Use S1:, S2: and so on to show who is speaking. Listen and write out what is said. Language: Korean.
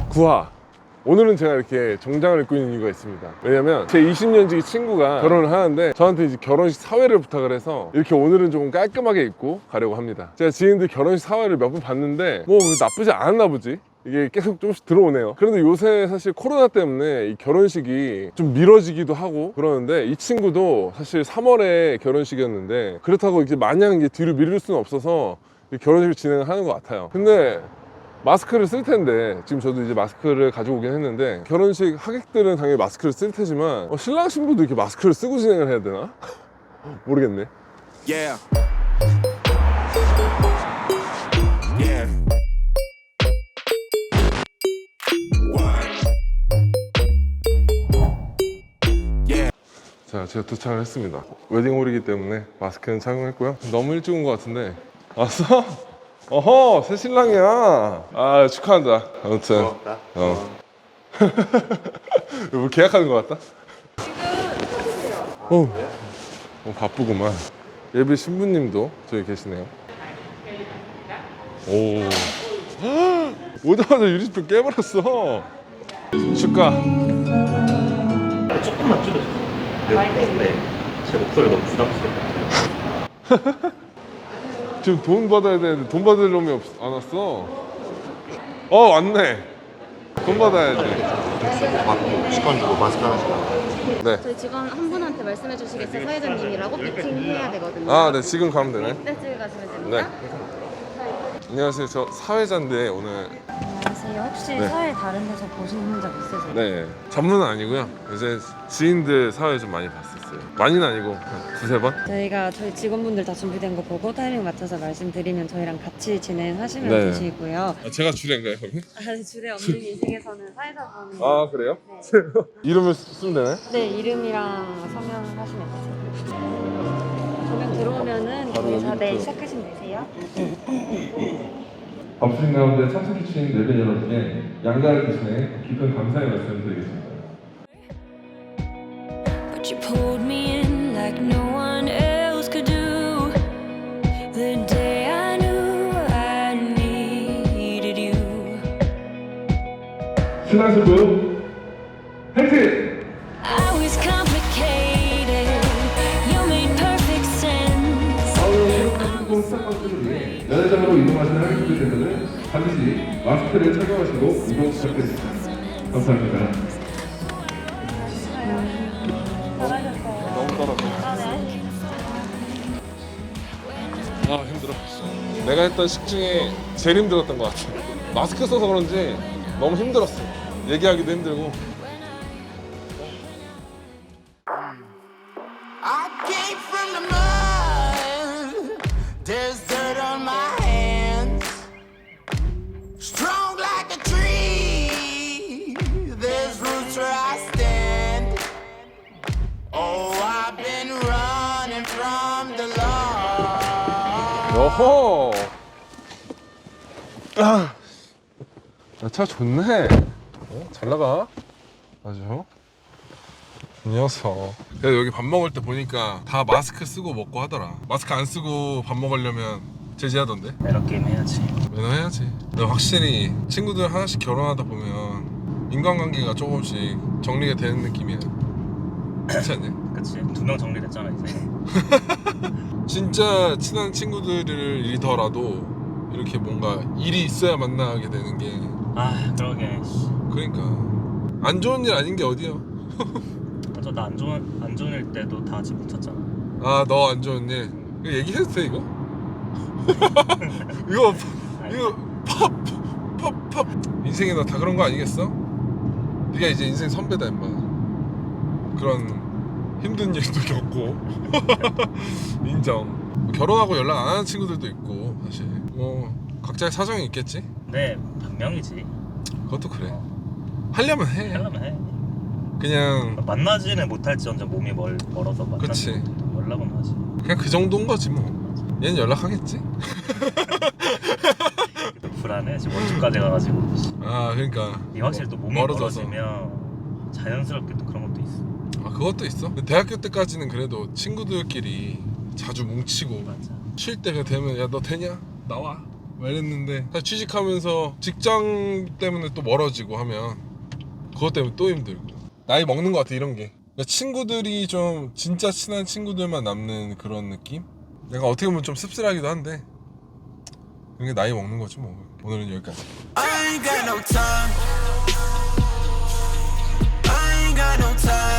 S1: 구하. 오늘은 제가 이렇게 정장을 입고 있는 이유가 있습니다. 왜냐면 제 20년지기 친구가 결혼을 하는데 저한테 이제 결혼식 사회를 부탁을 해서 이렇게 오늘은 조금 깔끔하게 입고 가려고 합니다. 제가 지인들 결혼식 사회를 몇 번 봤는데 뭐 나쁘지 않았나 보지? 이게 계속 조금씩 들어오네요. 그런데 요새 사실 코로나 때문에 이 결혼식이 좀 미뤄지기도 하고 그러는데 이 친구도 사실 3월에 결혼식이었는데 그렇다고 이제 마냥 이제 뒤로 미룰 수는 없어서 결혼식을 진행을 하는 것 같아요. 근데 마스크를 쓸 텐데 지금 저도 이제 마스크를 가지고 오긴 했는데 결혼식 하객들은 당연히 마스크를 쓸 테지만 신랑 신부도 이렇게 마스크를 쓰고 진행을 해야 되나? 모르겠네.
S2: Yeah. Yeah.
S1: 자, 제가 도착을 했습니다. 웨딩홀이기 때문에 마스크는 착용했고요. 너무 일찍 온 것 같은데. 왔어? 어허, 새 신랑이야. 아, 축하한다. 아무튼.
S3: 고맙다.
S1: 뭐 계약하는 것 같다? 바쁘구만. 예비 신부님도 저기 계시네요. 오. 오자마자 유리병 깨버렸어. 축하.
S3: 조금만 줄여주세요. 네, 제 목소리 너무 부담스러워요.
S1: 지금 돈 받아야 되는데 돈 받을 놈이 안 왔어. 왔네. 돈 받아야지.
S3: 받고 직권 주고 마스크 하나씩 나와요.
S1: 네.
S4: 저희 직원 한 분한테 말씀해 주시겠어요? 사회자님이라고 피팅해야 되거든요.
S1: 아, 네. 지금 가면 되네.
S4: 네, 지금 가시면
S1: 네.
S4: 됩니다.
S1: 안녕하세요. 저 사회자인데 오늘.
S4: 안녕하세요. 혹시
S1: 네.
S4: 사회 다른 데서 보신 적 있으세요?
S1: 네. 전문은 아니고요. 이제 지인들 사회 좀 많이 봤었어요. 많이는 아니고 한 두세 번?
S4: 저희가 저희 직원분들 다 준비된 거 보고 타이밍 맞춰서 말씀드리면 저희랑 같이 진행하시면
S1: 네.
S4: 되시고요.
S1: 제가 주례인가요, 그러면?
S4: 줄에 없는 인생에서는 사회자분.
S1: 아, 그래요? 이름을 쓰면 되나요?
S4: 네, 이름이랑 서명 하시면 되세요. 조명 들어오면은
S1: 바로
S4: 거기서 네,
S1: 여기부터.
S4: 시작하시면 되세요.
S1: 바쁘신 가운데 참석해주신 내빈 여러분께 양가를 대신해 깊은 감사의 말씀을 드리겠습니다.
S5: But you pulled me in like no one else could do. The day I knew I needed you.
S1: 신랑 신부 행진!
S5: I was complicated. You made perfect sense.
S1: 그리고 첫 번째를 위해 면회장으로 이동하시는 하객분들께서는 반드시 마스크를 착용하시고 이동 부탁드립니다. 감사합니다. 너무 떨어져. 아, 힘들어. 내가 했던 식 중에 제일 힘들었던 것 같아. 마스크 써서 그런지 너무 힘들었어. 얘기하기도 힘들고.
S2: I came from the mud. There's dirt on my hands. Strong like a tree. There's roots where I stand. Oh, I've been running from the law.
S1: 여호. 차 좋네. 잘 나가. 아주. 이 녀석. 그래서 여기 밥 먹을 때 보니까 다 마스크 쓰고 먹고 하더라. 마스크 안 쓰고 밥 먹으려면 제지하던데.
S3: 매너 게임 해야지.
S1: 매너 해야지. 근데 확실히 친구들 하나씩 결혼하다 보면 인간관계가 조금씩 정리가 되는 느낌이야. 그렇지 않냐?
S3: 그치. 2명 정리됐잖아 이제.
S1: 진짜 친한 친구들이더라도 이렇게 뭔가 일이 있어야 만나게 되는 게
S3: 아 그러게.
S1: 그러니까 안 좋은 일 아닌 게 어디야.
S3: 맞아, 나 안 좋은 일 때도 다 같이 뭉쳤잖아.
S1: 아, 너 안 좋은 일 이거 얘기해도 돼 이거? 이거 팝 인생에 너 다 그런 거 아니겠어? 네가 이제 인생 선배다 임마. 그런 힘든 일도 겪고 인정. 결혼하고 연락 안 하는 친구들도 있고 사실 뭐 각자의 사정이 있겠지.
S3: 네, 반명이지.
S1: 그것도 그래. 하려면 해.
S3: 하려면 해.
S1: 그냥
S3: 만나지는 못할지언정 몸이 멀어서
S1: 그치.
S3: 연락은 하지.
S1: 그냥 그 정도인 거지 뭐. 얘는 연락하겠지.
S3: 불안해. 지금 원주까지 가가지고.
S1: 아, 그러니까
S3: 이 확실히 또 몸이
S1: 멀어져서.
S3: 멀어지면 자연스럽게 또 그런 것도 있어.
S1: 아, 그것도 있어. 근데 대학교 때까지는 그래도 친구들끼리 자주 뭉치고
S3: 맞아.
S1: 쉴 때가 되면 야 너 되냐? 나와. 막 이랬는데 사실 취직하면서 직장 때문에 또 멀어지고 하면 그것 때문에 또 힘들고 나이 먹는 것 같아 이런 게. 그러니까 친구들이 좀 진짜 친한 친구들만 남는 그런 느낌? 내가 어떻게 보면 좀 씁쓸하기도 한데 그게 나이 먹는 거지 뭐. 오늘은 여기까지.
S2: I ain't got no time. I ain't got no time.